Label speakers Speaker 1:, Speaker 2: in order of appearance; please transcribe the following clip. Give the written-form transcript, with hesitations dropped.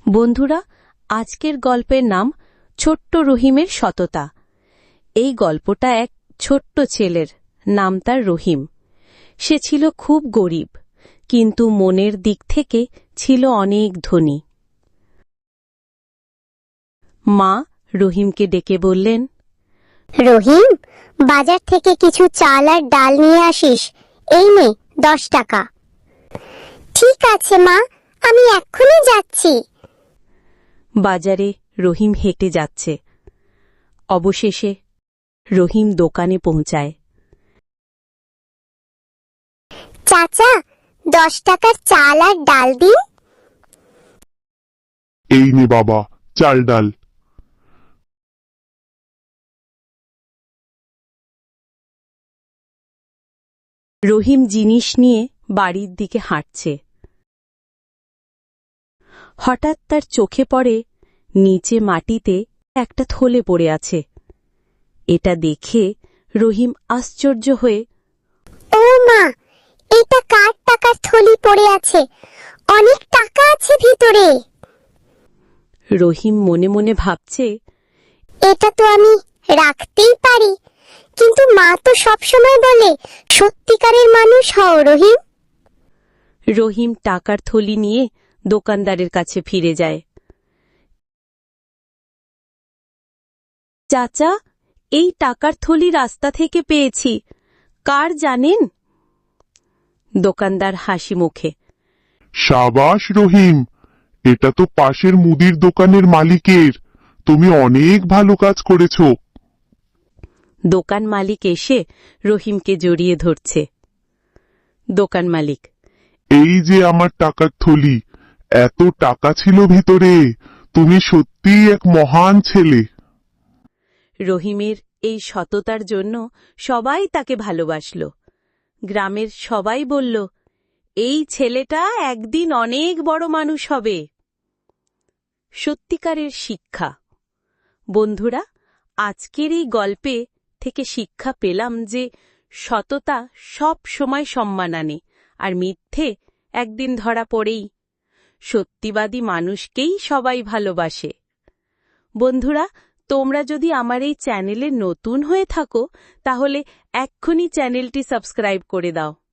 Speaker 1: বন্ধুরা, আজকের গল্পের নাম ছোট্ট রহিমের সততা। এই গল্পটা এক ছোট্ট ছেলের, নাম তার রহিম। সে ছিল খুব গরিব, কিন্তু মনের দিক থেকে ছিল অনেক ধনী। মা রহিমকে ডেকে বললেন,
Speaker 2: রহিম, বাজার থেকে কিছু চাল আর ডাল নিয়ে আসিস। এই নে 10 টাকা। ঠিক আছে মা, আমি এক্ষুনি যাচ্ছি।
Speaker 1: বাজারে রহিম হেঁটে যাচ্ছে। অবশেষে রহিম দোকানে পৌঁছায়।
Speaker 2: চাচা, 10 টাকার চাল আর ডাল দিন।
Speaker 3: এই নে বাবা, চাল ডাল।
Speaker 1: রহিম জিনিস নিয়ে বাড়ির দিকে হাঁটছে। হঠাৎ তার চোখে পড়ে নিচে মাটিতে একটা থলে পড়ে আছে। এটা দেখে রহিম আশ্চর্য হয়ে,
Speaker 2: ও মা, এটা কার টাকার থলি পড়ে আছে? অনেক টাকা আছে ভিতরে।
Speaker 1: রহিম মনে মনে ভাবছে,
Speaker 2: এটা তো আমি রাখতেই পারি, কিন্তু মা তো সবসময় বলে সত্যিকারের মানুষ হও রহিম।
Speaker 1: রহিম টাকার থলি নিয়ে দোকানদারের কাছে ফিরে যায়। চাচা, এই টাকার থলি রাস্তা থেকে পেয়েছি, কার জানেন? দোকানদার হাসি মুখে,
Speaker 3: সাবাস রহিম, এটা তো পাশের মুদির দোকানের মালিকের। তুমি অনেক ভালো কাজ করেছো।
Speaker 1: দোকান মালিক এসে রহিমকে জড়িয়ে ধরছে। দোকান মালিক,
Speaker 3: এই যে আমার টাকার থলি, এত টাকা ছিল ভিতরে। তুমি সত্যিই এক মহান ছেলে।
Speaker 1: রহিমের এই সততার জন্য সবাই তাকে ভালোবাসল। গ্রামের সবাই বলল, এই ছেলেটা একদিন অনেক বড় মানুষ হবে। সত্যিকারের শিক্ষা। বন্ধুরা, আজকের এই গল্পে থেকে শিক্ষা পেলাম যে সততা সব সময় সম্মান আনে, আর মিথ্যে একদিন ধরা পড়েই। সত্যিবাদী মানুষকেই সবাই ভালোবাসে। বন্ধুরা, তোমরা যদি আমার এই চ্যানেলে নতুন হয়ে থাকো, তাহলে এক্ষুনি চ্যানেলটি সাবস্ক্রাইব করে দাও।